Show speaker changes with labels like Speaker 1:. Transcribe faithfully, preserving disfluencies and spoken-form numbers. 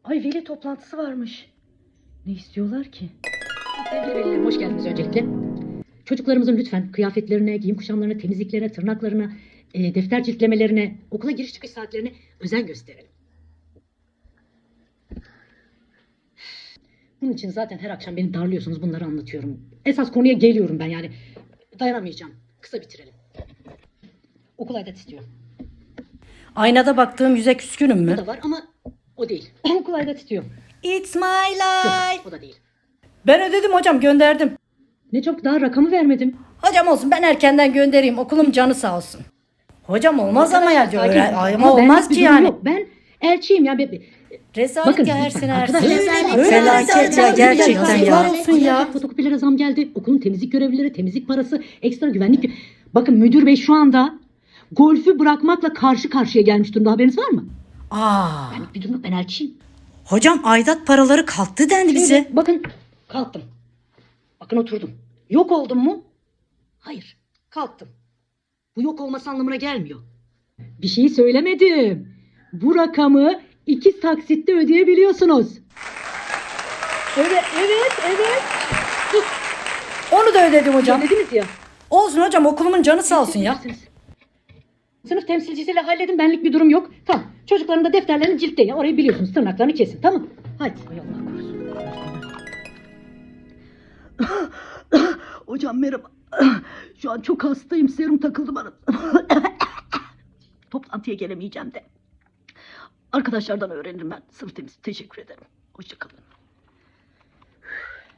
Speaker 1: Ay veli toplantısı varmış. Ne istiyorlar ki? Sevgili velilerim hoş geldiniz öncelikle. Çocuklarımızın lütfen kıyafetlerine, giyim kuşamlarına, temizliklerine, tırnaklarına, e, defter ciltlemelerine, okula giriş çıkış saatlerine özen gösterelim. Bunun için zaten her akşam beni darlıyorsunuz, bunları anlatıyorum. Esas konuya geliyorum ben yani. Dayanamayacağım. Kısa bitirelim. Okul aidat istiyor.
Speaker 2: Aynada baktığım yüze küskünüm
Speaker 1: Bu
Speaker 2: mü?
Speaker 1: da var ama o değil. Okul aidat istiyor.
Speaker 2: It's my
Speaker 1: Yok,
Speaker 2: life.
Speaker 1: o da değil.
Speaker 2: Ben ödedim hocam, gönderdim.
Speaker 1: Ne çok daha rakamı vermedim.
Speaker 2: Hocam olsun, ben erkenden göndereyim. Okulum canı sağ olsun. Hocam olmaz ama ya.
Speaker 1: Sakin
Speaker 2: Öğren-
Speaker 1: olun.
Speaker 2: Ay,
Speaker 1: Ama
Speaker 2: ama olmaz
Speaker 1: benlik bir
Speaker 2: ki
Speaker 1: durum
Speaker 2: yani.
Speaker 1: yok. Ben elçiyim ya. Be- be-
Speaker 2: Rezalet
Speaker 1: Bakın,
Speaker 2: ya, her
Speaker 1: lütfen
Speaker 2: sene her
Speaker 1: arkadaşlar.
Speaker 2: sene.
Speaker 1: Rezalet,
Speaker 2: Felaket
Speaker 1: rezalet,
Speaker 2: ya,
Speaker 1: rezalet,
Speaker 2: gerçekten
Speaker 1: rezalet.
Speaker 2: ya.
Speaker 1: Olsun ya. Fotokopilere zam geldi. Okulun temizlik görevlileri, temizlik parası, ekstra güvenlik. Bakın müdür bey şu anda golfü bırakmakla karşı karşıya gelmiş durumda. Haberiniz var mı?
Speaker 2: Aa,
Speaker 1: Benlik bir durum yok. Ben elçiyim.
Speaker 2: hocam aidat paraları kalktı dendi bize.
Speaker 1: Şimdi bakın kalktım. Bakın oturdum. Yok oldum mu? Hayır. Kalktım. Bu yok olması anlamına gelmiyor. Bir şey söylemedim. Bu rakamı iki taksitte ödeyebiliyorsunuz. Evet, evet, evet.
Speaker 2: Onu da ödedim hocam.
Speaker 1: Dediniz ya.
Speaker 2: Olsun hocam, okulumun canı sağ olsun ya.
Speaker 1: Sınıf temsilcisiyle halledin, benlik bir durum yok. Tamam. Çocukların da defterlerini ciltleyin. Orayı biliyorsunuz. Tırnaklarını kesin. Tamam. Hadi. Ay Allah korusun. Hocam merhaba. Şu an çok hastayım. Serum takıldı bana. Toplantıya gelemeyeceğim de. Arkadaşlardan öğrenirim ben. Sınıf temizliği. Teşekkür ederim. Hoşça kalın.